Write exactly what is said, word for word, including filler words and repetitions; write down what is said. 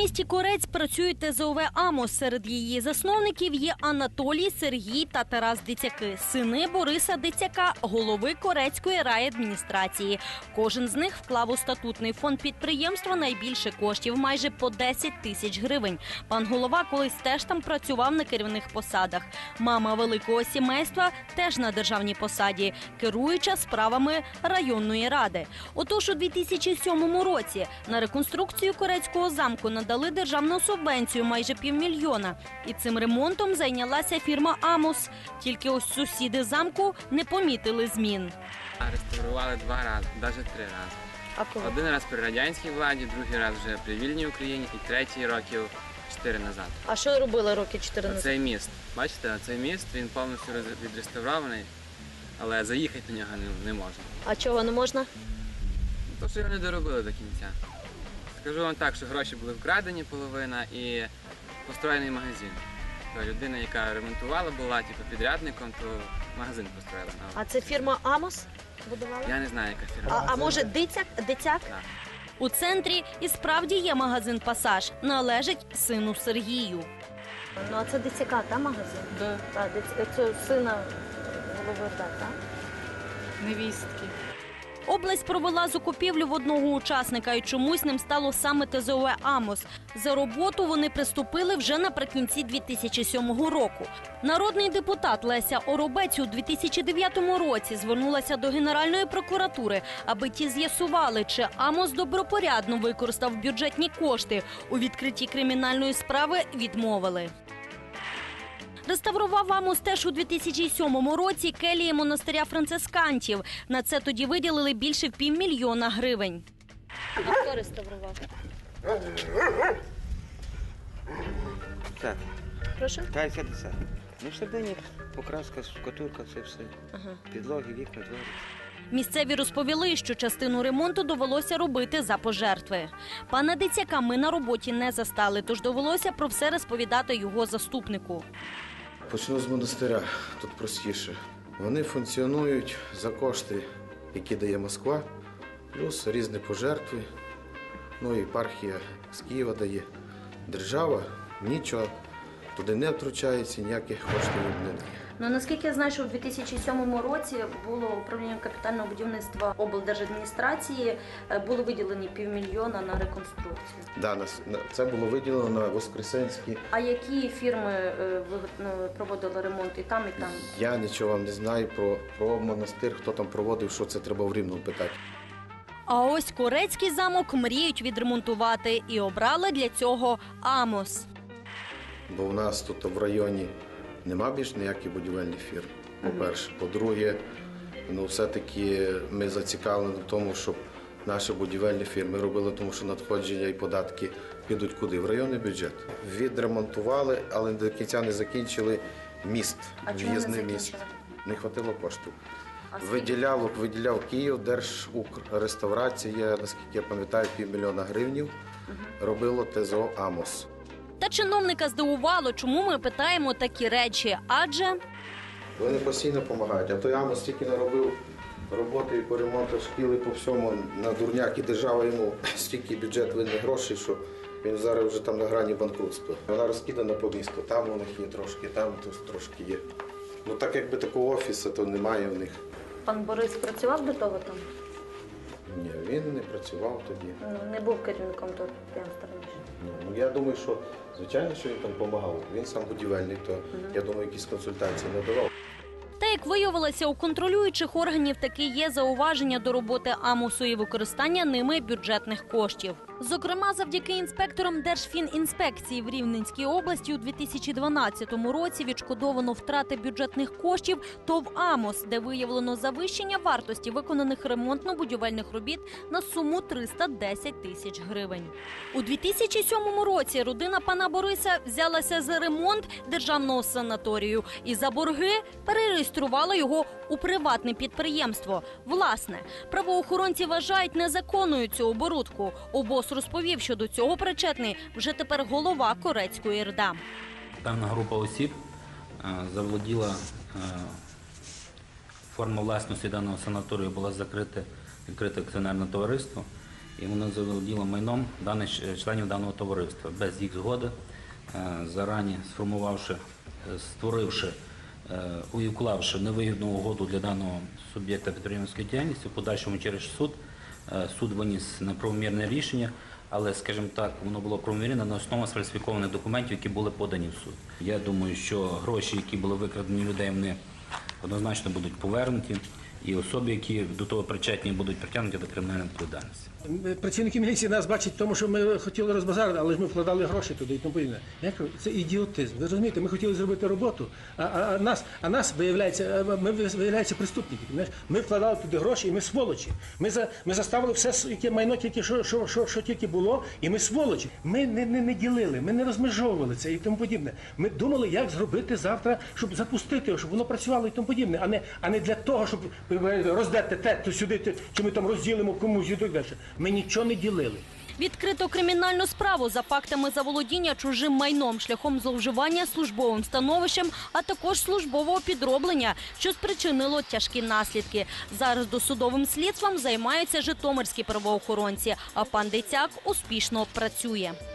місті Корець працює Те Зе О Ве «Амос». Серед її засновників є Анатолій, Сергій та Тарас Дицяки, сини Бориса Дицяка, голови Корецької райадміністрації. Кожен з них вклав у статутний фонд підприємства найбільше коштів – майже по десять тисяч гривень. Пан голова колись теж там працював на керівних посадах. Мама великого сімейства теж на державній посаді, керуюча справами районної ради. Отож, у дві тисячі сьомому році на реконструкцію Корецького замку надали державну субвенцію майже півмільйона. І цим ремонтом зайнялася фірма «Амос». Тільки ось сусіди замку не помітили змін. Реставрували два рази, навіть три рази. А коли? Один раз при радянській владі, другий раз вже при вільній Україні і третій років чотири назад. А що робили роки чотири назад? Цей міст, бачите, цей міст, він повністю відреставрований, але заїхати на нього не, не можна. А чого не можна? Тому що його не доробили до кінця. Скажу вам так, що гроші були вкрадені половина і построєний магазин. То людина, яка ремонтувала, була типу, підрядником, то магазин построїла. А це фірма «Амос» будувала? Я не знаю, яка фірма. А, а може Дицяк? Дицяк? Так. У центрі і справді є магазин «Пасаж». Належить сину Сергію. Ну, а це Дицяка, та магазин? Да. Так, це сина голови, так? Невістки. Область провела закупівлю в одного учасника, і чомусь ним стало саме Те Зе О Ве «Амос». За роботу вони приступили вже наприкінці дві тисячі сьомого року. Народний депутат Леся Оробець у дві тисячі дев'ятому році звернулася до Генеральної прокуратури, аби ті з'ясували, чи «Амос» добропорядно використав бюджетні кошти. У відкритті кримінальної справи відмовили. Реставрував «Амос» теж у дві тисячі сьомому році келії монастиря францисканців. На це тоді виділили більше півмільйона гривень. А хто реставрував? Так. Прошу? Так, п'ятдесят. Ну, всередині покраска, штукатурка, це все. Ага. Підлоги, вікна, двері. Місцеві розповіли, що частину ремонту довелося робити за пожертви. Пана Дицяка ми на роботі не застали, тож довелося про все розповідати його заступнику. Почну з монастиря, тут простіше. Вони функціонують за кошти, які дає Москва, плюс різні пожертви, ну і єпархія з Києва дає. Держава нічого туди не втручається, ніяких коштів не дає. Ну, наскільки я знаю, що у дві тисячі сьомому році було управління капітального будівництва облдержадміністрації, були виділені півмільйона на реконструкцію. Да, це було виділено на Воскресенській. А які фірми проводили ремонт і там, і там? Я нічого вам не знаю про, про монастир, хто там проводив, що це треба в Рівному питати. А ось Корецький замок мріють відремонтувати і обрали для цього «Амос». Бо в нас тут в районі нема більш ніяких будівельних фірм, по-перше. По-друге, ну, все-таки ми зацікавлені в тому, щоб наші будівельні фірми робили, тому що надходження і податки підуть куди? В районний бюджет. Відремонтували, але до кінця не закінчили міст, в'їзний міст. Не хватило коштів. Виділяв, виділяв Київ, Держукрреставрація, наскільки я пам'ятаю, півмільйона гривнів, робило Те Зе О «Амос». Та чиновника здивувало, чому ми питаємо такі речі, адже... Вони постійно допомагають, а той «Амос» тільки наробив роботи і по ремонту шкіл і по всьому на дурняк, і держава йому стільки бюджет винних грошей, що він зараз вже там на грані банкрутства. Вона розкидана по місту, там у них є трошки, там тут трошки є. Ну так якби такого офісу, то немає в них. Пан Борис працював до того там? Ні, він не працював тоді. Ну, не був керівником того підприємства раніше. Ну, я думаю, що, звичайно, що він там допомагав. Він сам будівельний, то, я думаю, якісь консультації надавав. Та, як виявилося, у контролюючих органів таки є зауваження до роботи «Амосу» і використання ними бюджетних коштів. Зокрема, завдяки інспекторам Держфінінспекції в Рівненській області у дві тисячі дванадцятому році відшкодовано втрати бюджетних коштів ТОВ «Амос», де виявлено завищення вартості виконаних ремонтно-будівельних робіт на суму триста десять тисяч гривень. У дві тисячі сьомому році родина пана Бориса взялася за ремонт державного санаторію і за борги перереєструвала його у приватне підприємство. Власне, правоохоронці вважають незаконною цю оборудку. Обоз розповів, що до цього причетний вже тепер голова Корецької РДА. Певна група осіб заволоділа, форма власності даного санаторію була закрита, відкрите акціонерне товариство, і вона заволоділа майном даних членів даного товариства без їх згоди, зарані сформувавши, створивши, уклавши невигідну угоду для даного суб'єкта підприємницької діяльності, в подальшому через суд. Суд виніс неправомірне рішення, але, скажімо так, воно було правомірне на основі сфальсифікованих документів, які були подані в суд. Я думаю, що гроші, які були викрадені людей, вони однозначно будуть повернуті, і особи, які до того причетні, будуть притягнуті до кримінальної відповідальності. Працівники міліції нас бачать в тому, що ми хотіли розбазарити, але ж ми вкладали гроші туди і тому подібне. Я кажу, це ідіотизм. Ви розумієте, ми хотіли зробити роботу, а, а, а нас, а нас виявляється, ми виявляється преступники. Ми вкладали туди гроші, і ми сволочі. Ми за ми заставили все, яке майно тільки що, що, що, що тільки було, і ми сволочі. Ми не, не, не ділили, ми не розмежовували це і тому подібне. Ми думали, як зробити завтра, щоб запустити, щоб воно працювало і тому подібне, а не а не для того, щоб роздати те, то сюди, те, чи ми там розділимо комусь і так далі. Ми нічого не ділили. Відкрито кримінальну справу за фактами заволодіння чужим майном шляхом зловживання службовим становищем, а також службового підроблення, що спричинило тяжкі наслідки. Зараз досудовим слідством займаються житомирські правоохоронці, а пан Дицяк успішно працює.